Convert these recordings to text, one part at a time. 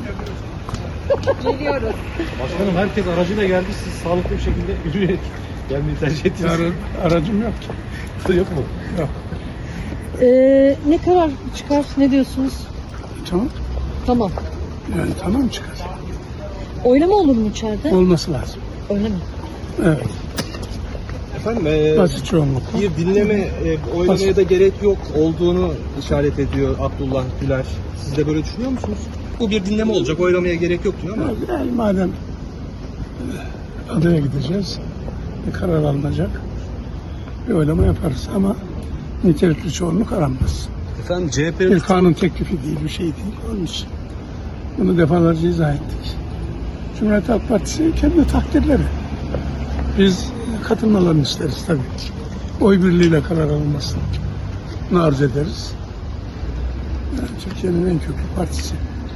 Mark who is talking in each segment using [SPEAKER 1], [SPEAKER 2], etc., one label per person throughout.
[SPEAKER 1] Geliyoruz.
[SPEAKER 2] Başkanım herkes aracıyla geldi. Siz sağlıklı bir şekilde yürüyerek gelmeyi tercih ettiniz.
[SPEAKER 3] Yarın aracım yok ki.
[SPEAKER 2] Yok mu?
[SPEAKER 3] Yok.
[SPEAKER 1] Ne karar çıkar? Ne diyorsunuz?
[SPEAKER 3] Tamam.
[SPEAKER 1] Tamam.
[SPEAKER 3] Yani tamam çıkar.
[SPEAKER 1] Oylama olur mu içeride?
[SPEAKER 3] Olması lazım.
[SPEAKER 1] Öyle mi?
[SPEAKER 3] Evet.
[SPEAKER 4] Efendim
[SPEAKER 3] Basit çoğunlukla.
[SPEAKER 4] bir dinleme oylamaya da gerek yok olduğunu işaret ediyor Abdullah Güler. Siz de böyle düşünüyor musunuz? Bu bir dinleme olacak, oylamaya gerek yok diyor ama.
[SPEAKER 3] Yani madem adaya gideceğiz, bir karar alınacak, bir oylama yaparız ama nitelikli çoğunluk aranmaz.
[SPEAKER 4] Efendim
[SPEAKER 3] Bir kanun teklifi değil, bir şey değil. Onun için bunu defalarca izah ettik. Cumhuriyet Halk Partisi kendi takdirleri. Biz katılmalarını isteriz tabii. Oy birliğiyle karar alınmasını arz ederiz. Yani Türkiye'nin en köklü partisi.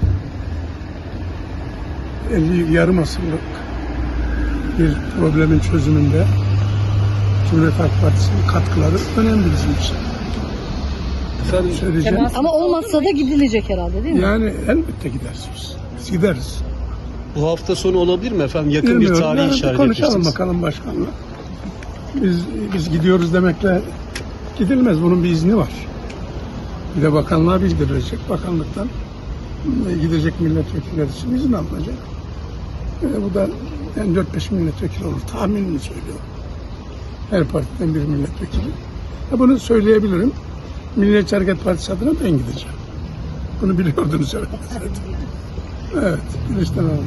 [SPEAKER 3] yarım asırlık bir problemin çözümünde Cumhuriyet Halk Partisi'nin katkıları önemli bizim için.
[SPEAKER 4] Efendim,
[SPEAKER 3] Söyleyeceğim.
[SPEAKER 1] Ama olmazsa da gidilecek herhalde değil mi?
[SPEAKER 3] Yani elbette gideriz biz. Biz gideriz.
[SPEAKER 4] bu hafta sonu olabilir mi efendim? Yakın bir
[SPEAKER 3] Bilmiyorum.
[SPEAKER 4] tarih
[SPEAKER 3] Yani
[SPEAKER 4] işaret
[SPEAKER 3] konuşalım
[SPEAKER 4] etmiştiniz.
[SPEAKER 3] bakalım başkanla. Biz gidiyoruz demekle gidilmez. Bunun bir izni var. Bir de bakanlığa bildirilecek. Bakanlıktan gidecek milletvekilleri için izin alınacak. Bu da yani 4-5 milletvekili olur. Tahminini söylüyorum. Her partiden bir milletvekili. Bunu söyleyebilirim. Milliyetçi Hareket Partisi adına ben gideceğim. Bunu biliyordunuz herhalde zaten. Evet. Güneşten aldım.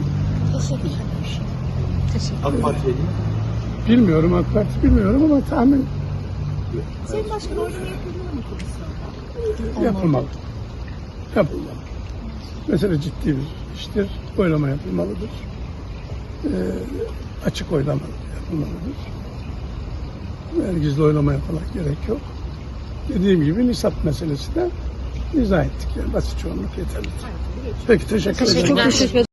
[SPEAKER 4] AK Parti'ye değil.
[SPEAKER 3] Bilmiyorum AK Parti bilmiyorum ama tahmin
[SPEAKER 1] Sayın Başkan oylama yapılıyor mu komisyonda?
[SPEAKER 3] yapılmalı. Yapılmalı. Mesele ciddi bir iştir. Oylama yapılmalıdır. Açık oylama yapılmalıdır. Gizli oylamaya falan gerek yok. Dediğim gibi nisap meselesi de izah ettik. Yani basit çoğunluk yeterlidir. Peki teşekkür ederim.
[SPEAKER 1] Çok teşekkür ederim.